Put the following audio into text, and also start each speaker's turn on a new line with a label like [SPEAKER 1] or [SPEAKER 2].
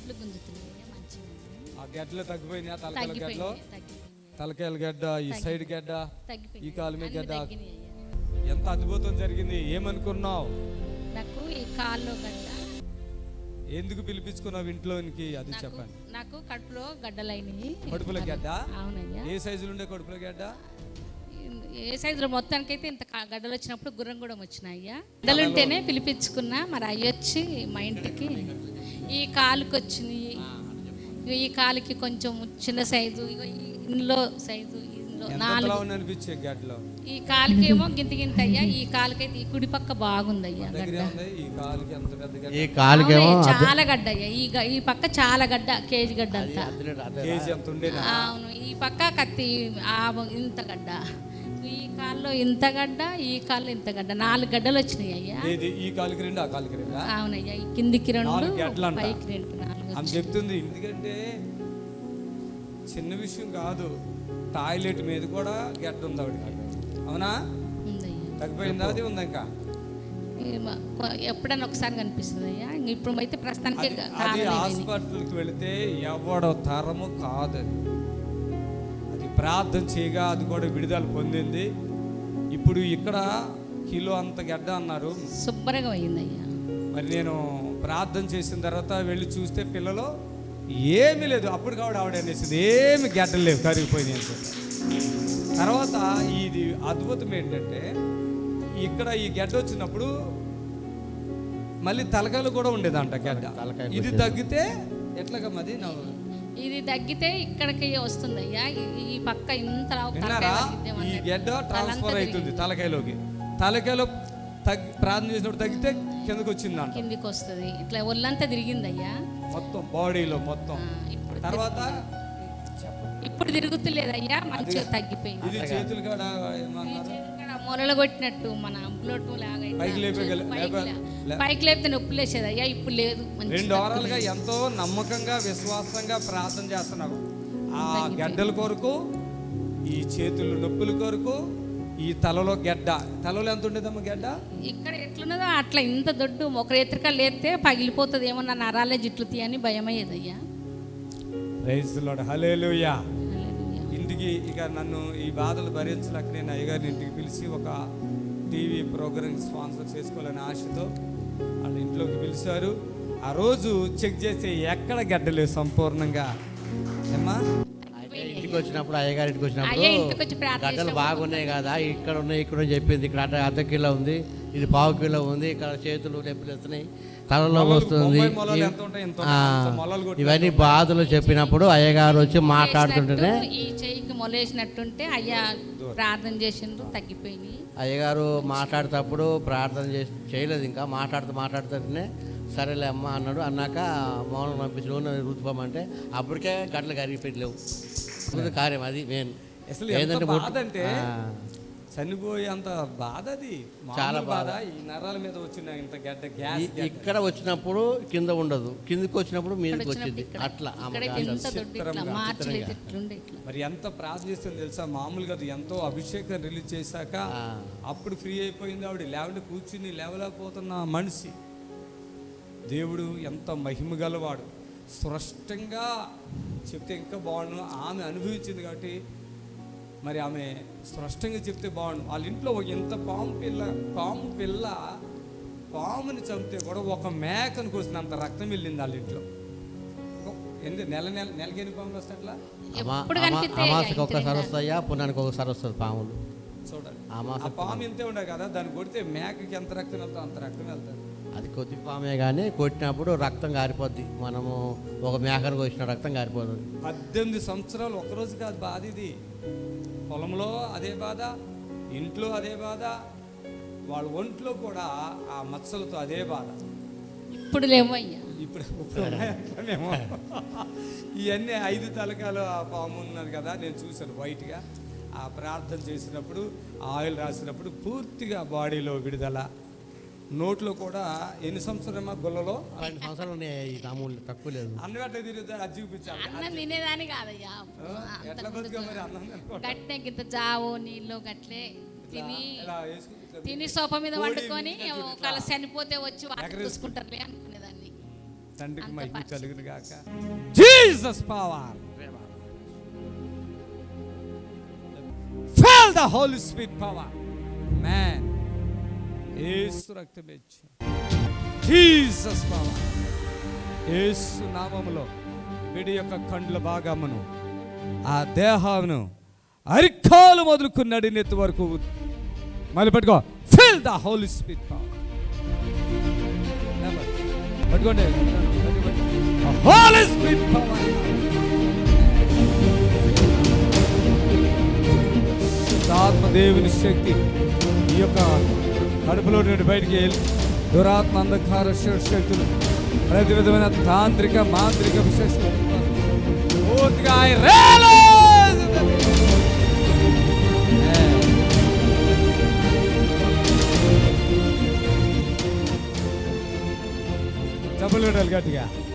[SPEAKER 1] గడ్లు గుంజుతున్నాయి మంచిగా.
[SPEAKER 2] ఆ గడ్డలు తగ్గిపోయినాయా? తలకాయల గడ్డలు, తలకాయల గడ్డ, ఈ సైడ్ గడ్డ, ఈ కాలు మీద గడ్డ. ఎంత అద్భుతం జరిగింది. ఏమనుకున్నావు?
[SPEAKER 1] నాకు ఈ కాల్లో గడ్డ.
[SPEAKER 2] ఎందుకు పిలిపించుకున్నావు ఇంట్లోనికి అది చెప్పండి.
[SPEAKER 1] నాకు కడుపులో గడ్డలైనవి.
[SPEAKER 2] కడుపులో గడ్డ?
[SPEAKER 1] అవునయ్యా.
[SPEAKER 2] ఏ సైజులు ఉండే కడుపులో గడ్డ?
[SPEAKER 1] ఏ సైజులో మొత్తానికైతే ఇంత గడ్డలు వచ్చినప్పుడు గుర్రం కూడా వచ్చినాయ్యా. గడ్డలు ఉంటేనే పిలిపించుకున్నా. మరి అయ్యొచ్చి మా ఇంటికి ఈ కాలుకి వచ్చినాయి. ఈ కాలుకి కొంచెం చిన్న సైజు, ఇందులో సైజు,
[SPEAKER 2] అనిపించే గడ్డలో
[SPEAKER 1] ఈ కాలుకి ఏమో గింత గింత అయ్యా. ఈ కాలుకైతే ఈ కుడి పక్క బాగుందయ్యా గడ్డ.
[SPEAKER 2] ఈ కాలుకి
[SPEAKER 1] చాలా గడ్డ అయ్యా. ఈ పక్క చాలా గడ్డ, కేజీ గడ్డ అంతా. అవును. ఈ పక్క కత్తి ఇంత గడ్డ, ఈ కాల్లో ఇంత గడ్డ, ఈ కాల్లో ఇంత గడ్డ. 4 గడ్డలు వచ్చినాయి అయ్యా.
[SPEAKER 2] ఈ కాలుకి 2, ఆ కాలుకి 2.
[SPEAKER 1] అవునయ్యా. ఈ కిందికి 2, పైకి 2, 4
[SPEAKER 2] అని చెప్తుంది. ఎందుకంటే చిన్న విషయం కాదు. టాయిలెట్ మీద కూడా గడ్డ ఉంది ఆవిడకి. అవునా? తగ్గిపోయిందా? అది ఉంది ఇంకా
[SPEAKER 1] ఎప్పుడన్నా ఒకసారి కనిపిస్తుంది అయ్యా. ఇప్పుడు అయితే ప్రస్తుతానికి
[SPEAKER 2] హాస్పిటల్కి వెళితే ఎవడో తరము కాదు. అది ప్రార్థన చేయగా అది కూడా విడుదల పొందింది. ఇప్పుడు ఇక్కడ కిలో అంత గడ్డ అన్నారు.
[SPEAKER 1] శుభ్రంగా అయిందయ్యా.
[SPEAKER 2] మరి నేను ప్రార్థన చేసిన తర్వాత వెళ్ళి చూస్తే పిల్లలు ఏమీ లేదు. అప్పుడు కావడం ఆవిడ అనేసింది ఏమి గడ్డలు లేవు, కరిగిపోయినాయి అని చెప్పి. తర్వాత ఇది అద్భుతం ఏంటంటే ఇక్కడ ఈ గడ్డ వచ్చినప్పుడు మళ్ళీ తలకాయలు కూడా ఉండేదంట గడ్డ. ఇది తగ్గితే ఎట్లాగా? మరి
[SPEAKER 1] ఇది తగ్గితే ఇక్కడికి వస్తుంది అయ్యా. ఈ పక్క ఇంత
[SPEAKER 2] ఈ గడ్డ ట్రాన్స్ఫర్ అవుతుంది తలకాయలోకి. తలకాయలో ప్రార్థన చేసినప్పుడు తగ్గితే కిందకి వచ్చిందంట.
[SPEAKER 1] కిందికి వస్తుంది. ఇట్లా ఒళ్ళంతా తిరిగింది అయ్యా,
[SPEAKER 2] మొత్తం బాడీలో మొత్తం. తర్వాత
[SPEAKER 1] ఇప్పుడు తిరుగుతులేదయ్యా, మంచిగా తగ్గిపోయింది.
[SPEAKER 2] ఇది చేతులు కాడ
[SPEAKER 1] మొలలు కొట్టినట్టు మన బ్లడ్ లాగా పైకి లేపితే నొప్పి లేచేది అయ్యా. ఇప్పుడు లేదు.
[SPEAKER 2] 2 వారాలుగా ఎంతో నమ్మకంగా విశ్వాసంగా ప్రార్థన చేస్తున్నావు. ఆ గడ్డల కొరకు, ఈ చేతులు నొప్పుల కొరకు, ఈ తలలో గడ్డ. తలలో ఎంత ఉండేదమ్మా గడ్డ?
[SPEAKER 1] ఇక్కడ ఎట్లున్నదో అట్లా ఇంత దొడ్డు ఒక రేత్రిక లేస్తే పగిలిపోతుంది ఏమో, నా నరాలే జిట్లు తీయని భయం అయ్యేదయ్యా.
[SPEAKER 2] Praise the Lord. హల్లెలూయా. ఇంటికి ఇక నన్ను ఈ బాధలు భరించలేక నేను అయ్యగారిని ఇంటికి పిలిచి ఒక టీవీ ప్రోగ్రామ్ స్పాన్సర్ చేసుకోవాలని ఆశతో వాళ్ళ ఇంట్లోకి పిలిచారు. ఆ రోజు చెక్ చేసి ఎక్కడ గడ్డలేదు సంపూర్ణంగా. ఏమ్మా
[SPEAKER 3] ఇంటికి వచ్చినప్పుడు అయ్యగారి ఇంటికి వచ్చినప్పుడు గడ్డలు బాగున్నాయి కదా, ఇక్కడ ఉన్నాయి ఇక్కడ చెప్పింది. ఇక్కడ అర్ధ కిలో ఉంది, ఇది పావు కిలో ఉంది, ఇక్కడ చేతులు నొప్పులు వస్తున్నాయి, తలలో వస్తుంది. ఇవన్నీ బాధలు చెప్పినప్పుడు అయ్యగారు వచ్చి మాట్లాడుతుంటేనే
[SPEAKER 1] ఈ చెయ్యికి మొలేసినట్టుంటే అయ్యా ప్రార్థన చేసిండ్రు, తగ్గిపోయినాయి.
[SPEAKER 3] అయ్యగారు మాట్లాడేటప్పుడు ప్రార్థన చేయలేదు, ఇంకా మాట్లాడుతుంటేనే సరేలే అమ్మ అన్నాడు. అన్నాక మౌనం పంపించి నూనె రుతుకోమంటే అప్పటికే గడ్డలు కరిగిపోయలేవు. కార్యం అది మెయిన్.
[SPEAKER 2] ఏంటంటే చనిపోయేంత బాధ, అది చాలా బాధ. ఈ నరాల మీద వచ్చిన ఇంత గడ్డ గ్యాస్
[SPEAKER 3] ఇక్కడ వచ్చినప్పుడు కింద ఉండదు, కిందకి వచ్చినప్పుడు మీదకి వచ్చింది. అట్లా
[SPEAKER 2] మరి ఎంత ప్రార్థిస్తుంది తెలుసా? మామూలుగా ఎంతో అభిషేకం రిలీజ్ చేశాక అప్పుడు ఫ్రీ అయిపోయింది ఆవిడ. లేవంటే కూర్చుని లేవలేకపోతున్న మనిషి. దేవుడు ఎంత మహిమ గలవాడు. స్పష్టంగా చెప్తే ఇంకా బాగుండు. ఆమె అనుభవించింది కాబట్టి మరి ఆమె స్పష్టంగా చెప్తే బాగుండు. వాళ్ళ ఇంట్లో ఎంత పాము పిల్ల పాముని చంపితే కూడా ఒక మేకను కోసినంత రక్తం వెళ్ళింది వాళ్ళ ఇంట్లో. నెలకి ఎన్ని పాములు వస్తాయి అట్లా?
[SPEAKER 3] అమాసకి ఒకసారి వస్తాయా, పుణ్యానికి ఒకసారి వస్తుంది పాములు.
[SPEAKER 2] చూడాలి. ఆ పాము ఇంతే ఉండదు కదా, దాన్ని కొడితే మేకకి ఎంత రక్తం వెళ్తాం అంత రక్తం వెళ్తుంది.
[SPEAKER 3] అది కొద్ది పామే కానీ కొట్టినప్పుడు రక్తం కారిపోద్ది. మనము ఒక మేకను కోసిన రక్తం కారిపోతుంది.
[SPEAKER 2] 18 సంవత్సరాలు ఒకరోజు కాదు బాధ ఇది. పొలంలో అదే బాధ, ఇంట్లో అదే బాధ, వాళ్ళ ఒంట్లో కూడా ఆ మచ్చలతో అదే బాధ.
[SPEAKER 1] ఇప్పుడు లేవయ్యా.
[SPEAKER 2] ఇప్పుడు మేము ఇవన్నీ 5 తలకాలు ఆ పాము ఉన్నది కదా, నేను చూశాను వైట్గా. ఆ ప్రార్థన చేసినప్పుడు ఆయిల్ రాసినప్పుడు పూర్తిగా బాడీలో విడుదల. నోట్లో కూడా ఎన్ని సంవత్సరాలు గుల్లలో
[SPEAKER 3] 2 సంవత్సరాలు ఉన్నాయి. తక్కువ లేదు.
[SPEAKER 2] అన్నం ఎట్లా తిరుగుతా అది చూపించాలి.
[SPEAKER 1] అన్నం తినేదాని కాదయ్యా.
[SPEAKER 2] ఎట్లా బతుకా మరి అన్నం
[SPEAKER 1] గట్టే గింత జావో నీళ్ళు గట్లే తిని సోఫా మీద వండుకొని ఒకవేళ చనిపోతే వచ్చి చూసుకుంటారులే అనుకునేదాన్ని.
[SPEAKER 2] తండ్రికి
[SPEAKER 1] అంత
[SPEAKER 2] మహిమ
[SPEAKER 1] పరిశుద్ధ.
[SPEAKER 2] కలుగును గాక. Jesus power. Feel the Holy Spirit power. Man. యేసు రక్తమే జీసస్ పవర్. యేసు నామములో వీడి యొక్క కండ్ల భాగమును ఆ దేహమును అరికాలు మొదలుకున్నాడు నెత్తి వరకు మళ్ళీ పట్టుకో. Feel the Holy Spirit power. పట్టుకోండి. Holy Spirit power. ఆత్మ దేవుని శక్తి ఈ యొక్క కడుపులో నుండి బయటికి వెళ్ళి దురాత్మ అంధకార శక్తులు ప్రతి విధమైన తాంత్రిక మాంత్రిక విశేషాలు పూర్తిగా డబ్బులు గట్టిగా